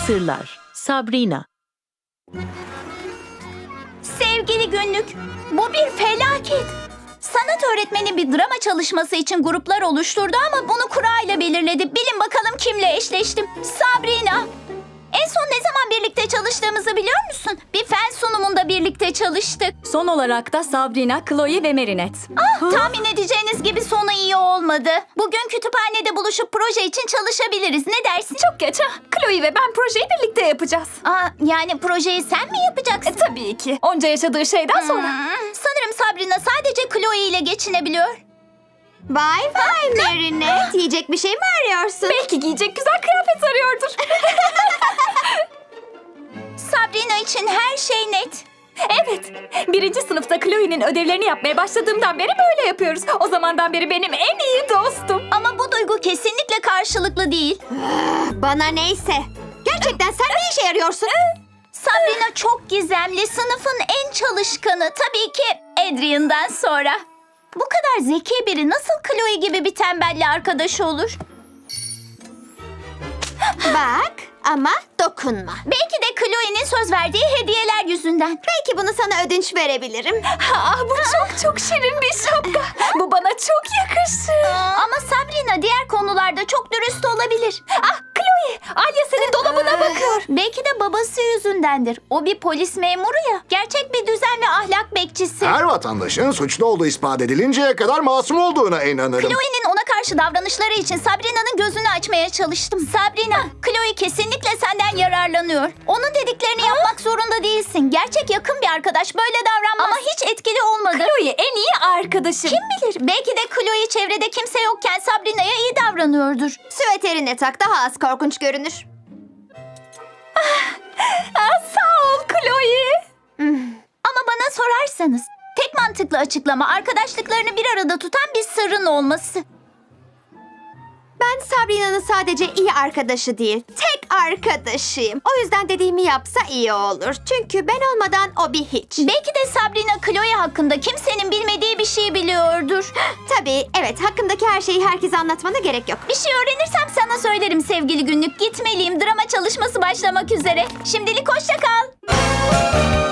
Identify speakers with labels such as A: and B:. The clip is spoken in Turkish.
A: Sırlar. Sabrina.
B: Sevgili günlük, bu bir felaket. Sanat öğretmeni bir drama çalışması için gruplar oluşturdu ama bunu kura ile belirledi. Bilin bakalım kimle eşleştim? Sabrina. En son ne zaman birlikte çalıştığımızı biliyor musun? Bir fen sunumunda birlikte çalıştık.
C: Son olarak da Sabrina, Chloe ve Marinette.
B: Tahmin edeceğiniz gibi sonu iyi olmadı. Bugün kütüphanede buluşup proje için çalışabiliriz. Ne dersin?
C: Çok geç ha. Chloe ve ben projeyi birlikte yapacağız.
B: Yani projeyi sen mi yapacaksın?
C: Tabii ki. Onca yaşadığı şeyden sonra.
B: Sanırım Sabrina sadece Chloe ile geçinebiliyor.
D: Vay vay Marinette. Yiyecek bir şey mi arıyorsun?
C: Belki giyecek güzel kıyafet arıyordur.
B: Sabrina için her şey net.
C: Evet. 1. sınıfta Chloe'nin ödevlerini yapmaya başladığımdan beri böyle yapıyoruz. O zamandan beri benim en iyi dostum.
B: Ama bu duygu kesinlikle karşılıklı değil.
D: Bana neyse. Gerçekten sen ne işe yarıyorsun?
B: Sabrina çok gizemli, sınıfın en çalışkanı. Tabii ki Adrian'dan sonra. Bu kadar zeki biri nasıl Chloe gibi bir tembelle arkadaş olur?
D: Bak ama dokunma.
B: Belki de Chloe'nin söz verdiği hediyeler yüzünden.
D: Belki bunu sana ödünç verebilirim.
C: Bu çok şirin bir şapka. Bu bana çok yakışır.
B: Ama Sabrina diğer konularda çok dürüst olabilir.
C: Chloe, Alya senin dolabına bakıyor.
B: Belki de babası yüzündendir. O bir polis memuru ya. Gerçek bir düzen ve ahlak bekçisi.
E: Her vatandaşın suçlu olduğu ispat edilinceye kadar masum olduğuna inanırım.
B: Chloe'nin ona karşı davranışları için Sabrina'nın gözünü açmaya çalıştım. Sabrina, Chloe kesinlikle senden yararlanıyor. Onun dediklerini yapmak zorunda değilsin. Gerçek yakın bir arkadaş böyle davranmaz. Ama hiç etkili olmadı.
C: Chloe en iyi arkadaşım.
B: Kim bilir? Belki de Chloe çevrede kimse yokken Sabrina'ya iyi davranıyordur.
D: Süveterini tak, daha az korkunç görünür.
C: Sağ ol Chloe.
B: Ama bana sorarsanız tek mantıklı açıklama arkadaşlıklarını bir arada tutan bir sırrın olması.
D: Ben Sabrina'nın sadece iyi arkadaşı değil, tek arkadaşıyım. O yüzden dediğimi yapsa iyi olur. Çünkü ben olmadan o bir hiç.
B: Belki de Sabrina Chloe hakkında kimsenin bilmediği bir şey biliyordur.
D: Tabii, evet, hakkındaki her şeyi herkese anlatmana gerek yok.
B: Bir şey öğrenirsem sana söylerim sevgili günlük. Gitmeliyim. Drama çalışması başlamak üzere. Şimdilik hoşça kal.